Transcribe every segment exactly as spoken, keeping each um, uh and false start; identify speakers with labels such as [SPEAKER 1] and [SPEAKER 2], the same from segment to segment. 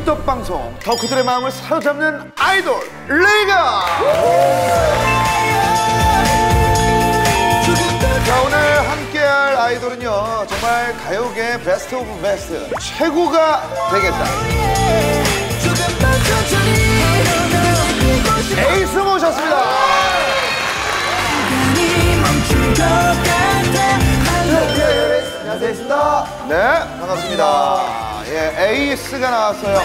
[SPEAKER 1] 꿀떡 방송 덕후들의 마음을 사로잡는 아이돌 리그. 자, 오늘 함께할 아이돌은요 정말 가요계 베스트 오브 베스트 최고가 되겠다. 에이스 모셨습니다. 안녕하세요, 에이스입니다. 네, 반갑습니다. 예, 에이스가 나왔어요.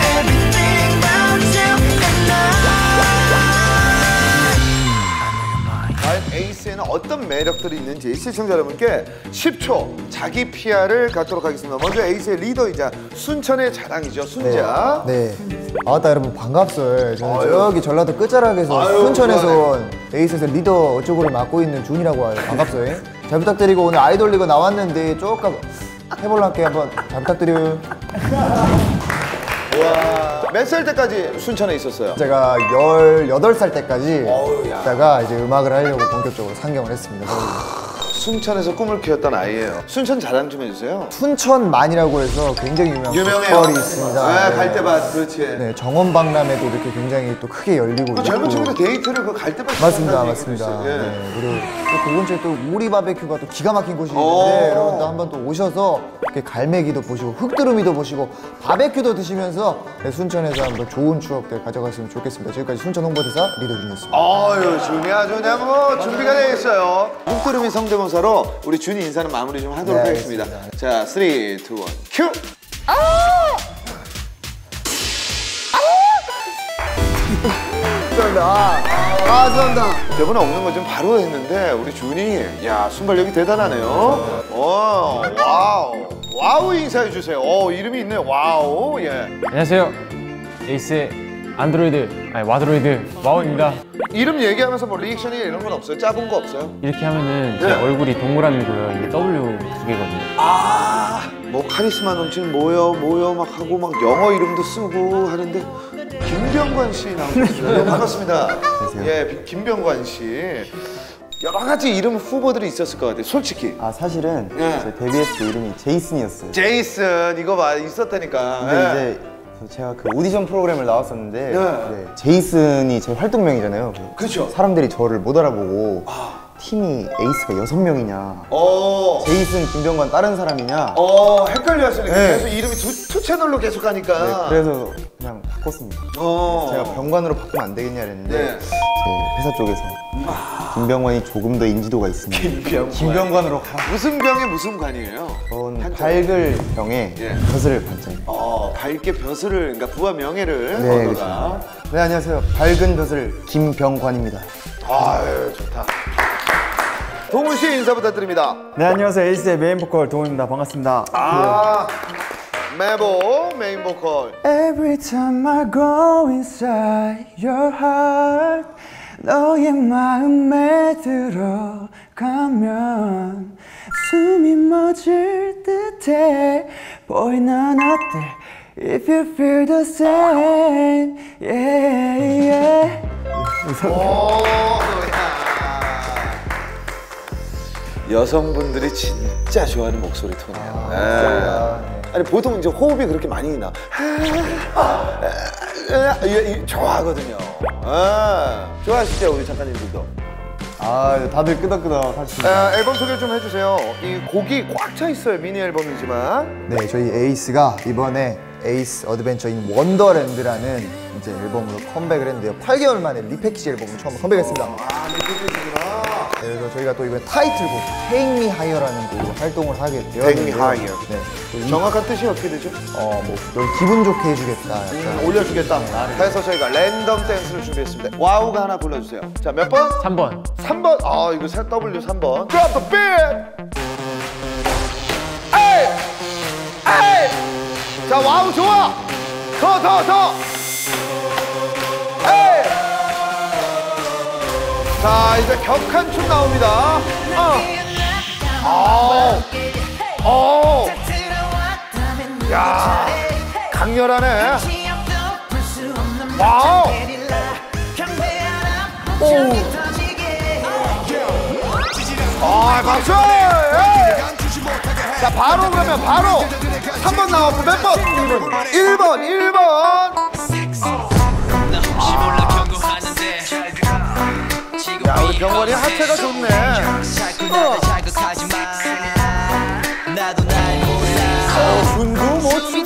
[SPEAKER 1] 과연 에이스에는 어떤 매력들이 있는지 시청자 여러분께 십 초 자기 피아르을 갖도록 하겠습니다. 먼저 에이스의 리더이자 순천의 자랑이죠, 순자.
[SPEAKER 2] 네. 네. 아따 여러분 반갑어요. 저는
[SPEAKER 1] 아유.
[SPEAKER 2] 저기 전라도 끝자락에서
[SPEAKER 1] 아유,
[SPEAKER 2] 순천에서
[SPEAKER 1] 좋아하네.
[SPEAKER 2] 온 에이스에서 리더 쪽으로 맡고 있는 준이라고 해요. 반갑어요. 잘 부탁드리고 오늘 아이돌 리그 나왔는데 조금 해볼란게 한번 잘 부탁드려요.
[SPEAKER 1] 와, 몇 살 때까지 순천에 있었어요?
[SPEAKER 2] 제가 열여덟 살 때까지
[SPEAKER 1] 어우, 야.
[SPEAKER 2] 있다가 이제 음악을 하려고 본격적으로 상경을 했습니다.
[SPEAKER 1] 순천에서 꿈을 키웠던 아이예요. 순천 자랑 좀 해주세요.
[SPEAKER 2] 순천만이라고 해서 굉장히 유명한
[SPEAKER 1] 유명해요.
[SPEAKER 2] 보컬이 있습니다.
[SPEAKER 1] 네,
[SPEAKER 2] 네.
[SPEAKER 1] 갈대밭, 그렇지.
[SPEAKER 2] 네, 정원박람회도 이렇게 굉장히 또 크게 열리고
[SPEAKER 1] 그 젊은
[SPEAKER 2] 있고.
[SPEAKER 1] 친구들 데이트를 그 갈대밭
[SPEAKER 2] 맞습니다, 맞습니다.
[SPEAKER 1] 예.
[SPEAKER 2] 네, 그리고 또 그 근처에 또 우리 바베큐가 또 기가 막힌 곳이
[SPEAKER 1] 오.
[SPEAKER 2] 있는데 여러분도 한번 또 오셔서 이렇게 갈매기도 보시고 흙두루미도 보시고 바베큐도 드시면서 네, 순천에서 한번 좋은 추억들 가져갔으면 좋겠습니다. 지금까지 순천 홍보대사 리더 준이었습니다.
[SPEAKER 1] 아유, 준이 아주 그냥 뭐 준비가 되어 있어요. 흙두루미 성대모사로 우리 준이 인사는 마무리 좀 하도록
[SPEAKER 2] 네,
[SPEAKER 1] 하겠습니다.
[SPEAKER 2] 알겠습니다.
[SPEAKER 1] 자, 삼, 이, 일, 큐!
[SPEAKER 2] 감사합니다. 아, 아, 감사합니다.
[SPEAKER 1] 대본에 없는 거 좀 바로 했는데 우리 준이, 야, 순발력이 대단하네요. 오, 와우. 와우 인사해 주세요. 오, 이름이 있네요. 와우. 예.
[SPEAKER 3] 안녕하세요. 에이스의 안드로이드, 아니 와드로이드 와우입니다.
[SPEAKER 1] 이름 얘기하면서 뭐 리액션이 이런 건 없어요? 짜본 거 없어요?
[SPEAKER 3] 이렇게 하면은 제
[SPEAKER 1] 네.
[SPEAKER 3] 얼굴이 동그라미고요. 이게 더블유 두 개거든요.
[SPEAKER 1] 아, 뭐 카리스마 넘치는 뭐요, 뭐요 막 하고 막 영어 이름도 쓰고 하는데 김병관 씨 나오셨어요. 반갑습니다.
[SPEAKER 2] 안녕하세요.
[SPEAKER 1] 예, 김병관 씨. 여러 가지 이름 후보들이 있었을 것 같아요, 솔직히.
[SPEAKER 4] 아 사실은
[SPEAKER 1] 네.
[SPEAKER 4] 제 데뷔했을 때 이름이 제이슨이었어요.
[SPEAKER 1] 제이슨 이거 봐 있었다니까.
[SPEAKER 4] 근데
[SPEAKER 1] 예.
[SPEAKER 4] 이제 제가 그 오디션 프로그램을 나왔었는데
[SPEAKER 1] 네.
[SPEAKER 4] 네, 제이슨이 제 활동명이잖아요.
[SPEAKER 1] 그렇죠.
[SPEAKER 4] 사람들이 저를 못 알아보고 팀이 에이스가 여섯 명이냐,
[SPEAKER 1] 어,
[SPEAKER 4] 제이슨, 김병관 다른 사람이냐.
[SPEAKER 1] 어, 헷갈려 하시니까
[SPEAKER 4] 네.
[SPEAKER 1] 계속 이름이 두, 투 채널로 계속 가니까.
[SPEAKER 4] 네, 그래서 그냥 바꿨습니다.
[SPEAKER 1] 어.
[SPEAKER 4] 제가 병관으로 바꾸면 안 되겠냐 그랬는데
[SPEAKER 1] 네.
[SPEAKER 4] 제 회사 쪽에서 김병관이 조금 더 인지도가 있으면
[SPEAKER 1] 김병관.
[SPEAKER 4] 김병관으로 가.
[SPEAKER 1] 무슨 병에 무슨 관이에요?
[SPEAKER 4] 저는
[SPEAKER 1] 한자.
[SPEAKER 4] 밝을 병에
[SPEAKER 1] 예.
[SPEAKER 4] 벼슬을 반짝입니다.
[SPEAKER 1] 어, 밝게 벼슬을, 그러니까 부와 명예를
[SPEAKER 4] 네,
[SPEAKER 1] 얻어가.
[SPEAKER 4] 그렇죠. 네, 안녕하세요. 밝은 벼슬 김병관입니다.
[SPEAKER 1] 아유, 좋다. 동훈 씨 인사 부탁드립니다.
[SPEAKER 5] 네, 안녕하세요. 에이스의 메인 보컬 동훈입니다. 반갑습니다.
[SPEAKER 1] 아, 메보 메인 보컬.
[SPEAKER 5] Every time I go inside your heart, 너의 마음에 들어가면 숨이 멎을 듯해. Boy, 난 어때? If you feel the same, yeah, yeah.
[SPEAKER 1] 오, 야. 여성분들이 진짜 좋아하는 목소리 톤이에요. 네. 아니 보통 이제 호흡이 그렇게 많이 나. 좋아하거든요. 아, 좋아하시죠 우리 작가님들도.
[SPEAKER 4] 아, 다들 끄덕끄덕 하시죠.
[SPEAKER 1] 아, 앨범 소개 좀 해주세요. 이 곡이 꽉 차 있어요. 미니 앨범이지만.
[SPEAKER 2] 네, 저희 에이스가 이번에 에이스 어드벤처인 원더랜드라는 이제 앨범으로 컴백을 했는데요. 팔 개월 만에 리패키지 앨범으로 처음 컴백했습니다.
[SPEAKER 1] 아, 리패키지구나.
[SPEAKER 2] 그래서 저희가 또 이번에 타이틀곡 Take Me Higher라는 곡으로 활동을 하게 되었는데요.
[SPEAKER 1] Take Me Higher.
[SPEAKER 2] 네, 또 이-
[SPEAKER 1] 정확한 뜻이 어떻게 되죠?
[SPEAKER 2] 어, 뭐, 널 기분 좋게 해주겠다. 약간.
[SPEAKER 1] 음, 올려주겠다. 그래서 저희가 랜덤 댄스를 준비했습니다. 와우가 하나 불러주세요. 자, 몇 번?
[SPEAKER 3] 삼 번.
[SPEAKER 1] 삼 번. 아, 이거 W 삼 번. Drop the beat. 에이! 에이! 자, 와우 좋아. 더, 더, 더. 에이! 자, 이제 격한 춤 나옵니다. 어. 어. 어. 야, 강렬하네. 와우. 오. 아, 박수! 에이! 자, 바로 그러면 바로 삼 번 나왔고 몇 번? 일 번, 일 번. 야, 우리 병원이 하체가 좋네. 어, 춤도 못 추.